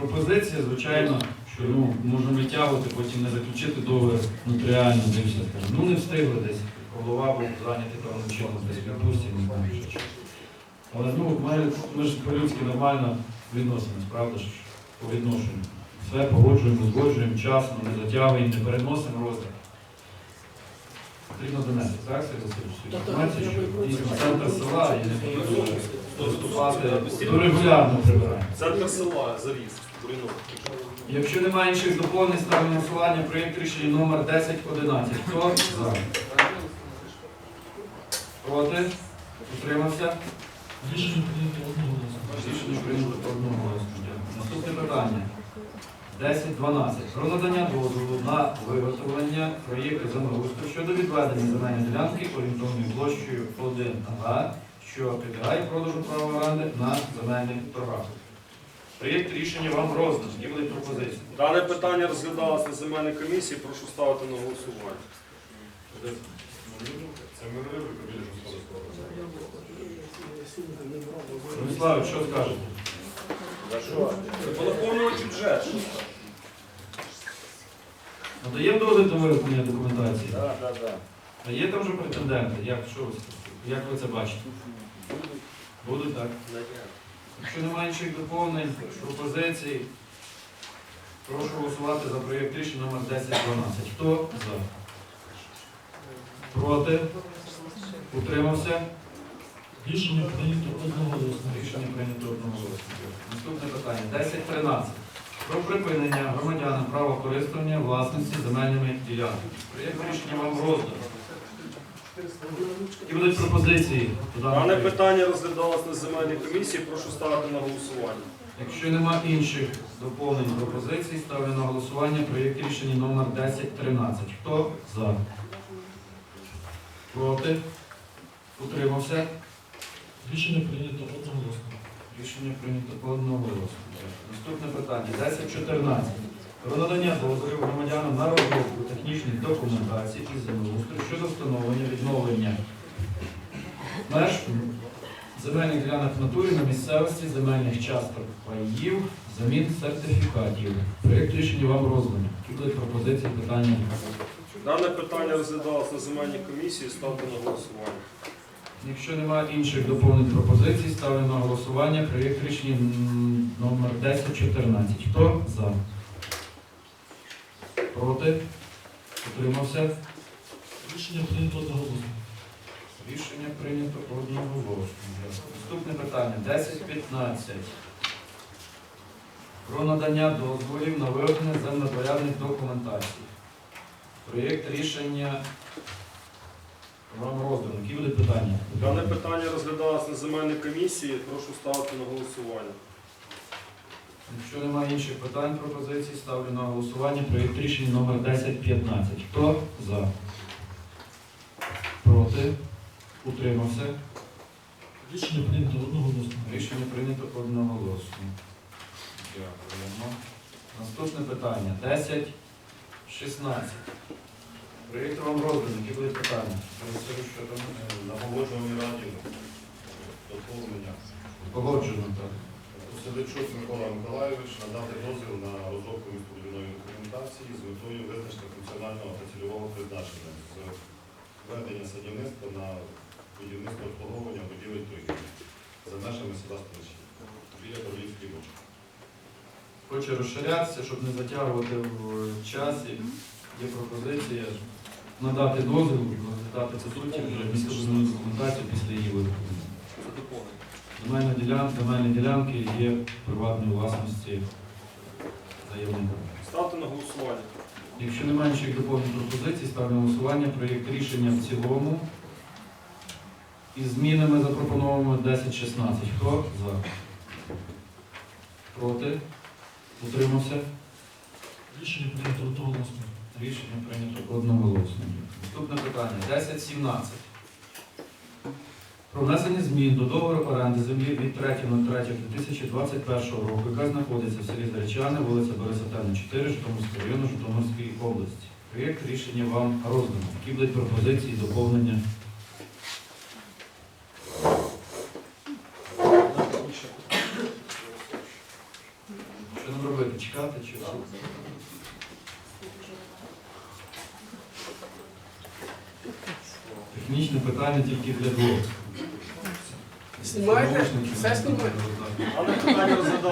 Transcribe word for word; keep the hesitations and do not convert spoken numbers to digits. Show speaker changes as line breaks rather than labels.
пропозиція, звичайно, що ну, можна витягувати, потім не заключити договір нотаріально, де все скажемо. Ну не встигли десь, голова був зайнятий певним чином, десь відпустці, не знаю, що ще. Але ну, ми, ми ж по-людськи нормально відносимось, правда ж, по відношенню. Все погоджуємо, узгоджуємо вчасно, не затягуємо, не переносимо розгляд. Потрібно донести, так, Сергій Васильович, цю інформацію, що дійсно центр села і не потрібно доступати до регулярного прибирання.
Центр села, Заріз, Буринок.
Якщо немає інших доповнень, ставлю на голосування проєкт рішення номер десять одинадцять. Хто за? Проти? Утримався?
Рішення прийнято одноголосно.
Рішення прийнято одноголосно. Наступне питання. десять дванадцять. Про надання дозволу на виготовлення проєкту землеустрою щодо відведення земельної ділянки орієнтовною площею один га, що підлягає продажу права оренди на земельних торгах. Проєкт рішення вам розданий. Які будуть пропозиції?
Дане питання розглядалося на земельній комісії, прошу ставити на голосування.
Це ми не вибрали господарського.
Владислав, що скажете?
За що? По наповнювачі бюджет.
Надаємо дозвіл до виготовлення документації?
Так, так, так.
А є там вже претенденти? Як, що ви, як ви це бачите? Будуть, так? Якщо немає інших доповнень, пропозицій, прошу голосувати за проєкт рішення номер десять дванадцять. Хто за? Проти? Утримався?
Рішення прийнято одноголосно.
Рішення прийнято одноголосно. Наступне питання. десять тринадцять. Про припинення громадянам права користування власності земельними ділянками. Проєкт рішення вам роздано. Які будуть пропозиції?
Дане питання розглядалося на земельній комісії, прошу ставити на голосування.
Якщо нема інших доповнень пропозицій, ставлю на голосування проєкт рішення номер десять тринадцять. Хто за? Проти? Утримався?
Рішення прийнято одноголосно.
Рішення прийнято одноголосно. Наступне питання. десять чотирнадцять. Про надання дозволів громадянам на розробку технічних документацій із землеустрою щодо встановлення відновлення меж земельних ділянок в натурі на місцевості, земельних часток паїв, замін сертифікатів. Проєкт рішення вам розданий. Які будуть пропозиції, питання?
Дане питання розглядалося на земельній комісії, ставте на голосування.
Якщо немає інших доповнень пропозицій, ставлю на голосування проєкт рішення м, номер десять чотирнадцять. Хто за? Проти? Утримався?
Рішення прийнято одноголосно.
Рішення прийнято одноголосно. Наступне питання. десять п'ятнадцять. Про надання дозволів на виготовлення землепорядних документацій. Проєкт рішення вам роздано. Які будуть питання?
Дане питання розглядалося на земельній комісії, прошу ставити на голосування.
Якщо немає інших питань, пропозицій, ставлю на голосування проєкт рішення номер десять п'ятнадцять. Хто за? Проти? Утримався?
Рішення прийнято одноголосно.
Рішення прийнято одноголосно. Дякуємо. Наступне питання. десять шістнадцять. Проєкт вам розданий. Які будуть питання?
Що там на погоджувальній раді доповнення.
Погоджено, так.
Селичук Микола Миколайович надати дозвіл на розробку містобудівної документації з метою визначення функціонального та цільового призначення з введення садівництва на будівництво обслуговування будівель торгівлі за межами села Столичі біля Королівської бочки.
Хоче розширятися, щоб не затягувати в часі. Є пропозиція надати дозвіл, розглядати по суті вже містобудівну документацію після її виготовлення. Земельні ділянки, земельні ділянки є приватної власності заявника.
Ставте на голосування.
Якщо немає інших доповнень пропозицій, ставлю на голосування проєкт рішення в цілому із змінами запропонованими десять шістнадцять. Хто за? Проти? Утримався?
Рішення прийнято одноголосно.
Рішення прийнято одноголосно. Наступне питання. десять сімнадцять. Про внесення змін до договору оренди землі від третього третього дві тисячі двадцять першого року, яка знаходиться в селі Заречани, вулиця Бориса Тельна, чотири, Житомирського району, Житомирської області. Проєкт рішення вам роздано. Які будуть пропозиції, доповнення? Що нам робити? Чекати чи що? Технічне питання тільки для двох.
Знімаєте?
Наушники.
Все знімаєте?
Дане питання розглядалося